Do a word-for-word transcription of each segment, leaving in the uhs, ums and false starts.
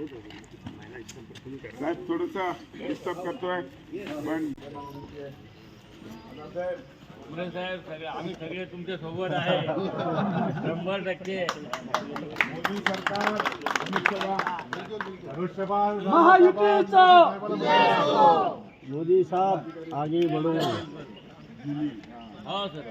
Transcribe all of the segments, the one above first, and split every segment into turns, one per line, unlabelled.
साहेब थोडंसं डिस्टर्ब करतोय पण
मुले साहेब सगळे आम्ही सगळे तुमच्या सोबत आहे शंभर टक्के।
मोदी सरकार
महायुतीचा मोदी साहब आगे बढ़ो।
हाँ सर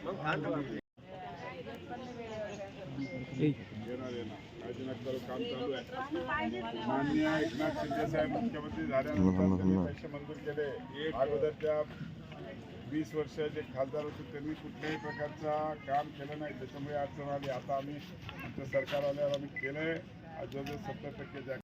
काम चालू आहे। माननीय एकनाथ शिंदे साहेब मुख्यमंत्री झाल्यानंतर पैसे मंजूर केले। अगोदरच्या वीस वर्षाचे खासदार होते त्यांनी कुठल्याही प्रकारचा काम केलं नाही, त्याच्यामुळे अडचण आली। आता आम्ही आमचं सरकार आल्यावर आम्ही केलंय। आज जवळजवळ सत्तर टक्के जागा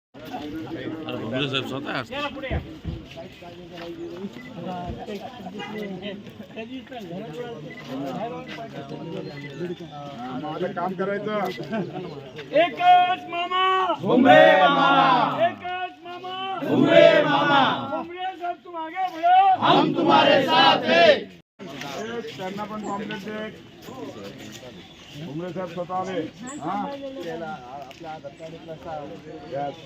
काम करायचं।
एकच मामा
भुमरे मामा,
एकच मामा
भुमरे मामा,
भुमरे साहब तुम आगे बढ़ो,
हम तुम्हारे साथ हैं।
त्यांना पण कॉम्प्लेट दे। भुमरे साहेब स्वतः आले। हा आपल्या आधार कार्ड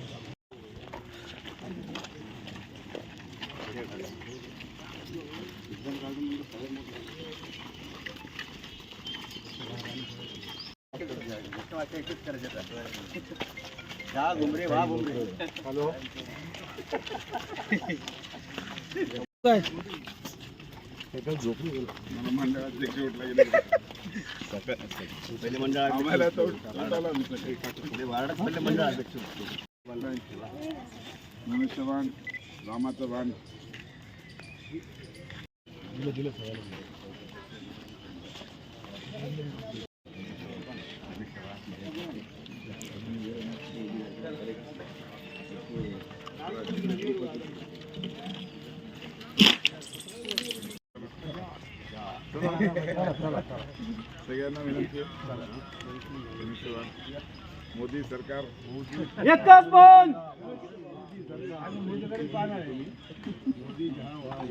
घुमरे वाह घुमरे।
हॅलो मंडळाध्यक्ष उठला गेले
पहिले मंडळ
आम्हाला तो
वार्डात पहिले मंडळ अध्यक्ष
मनुष्यवान रामाचं वाण सगळ्यांना विनंती आहे। मोदी सरकार
एकच पण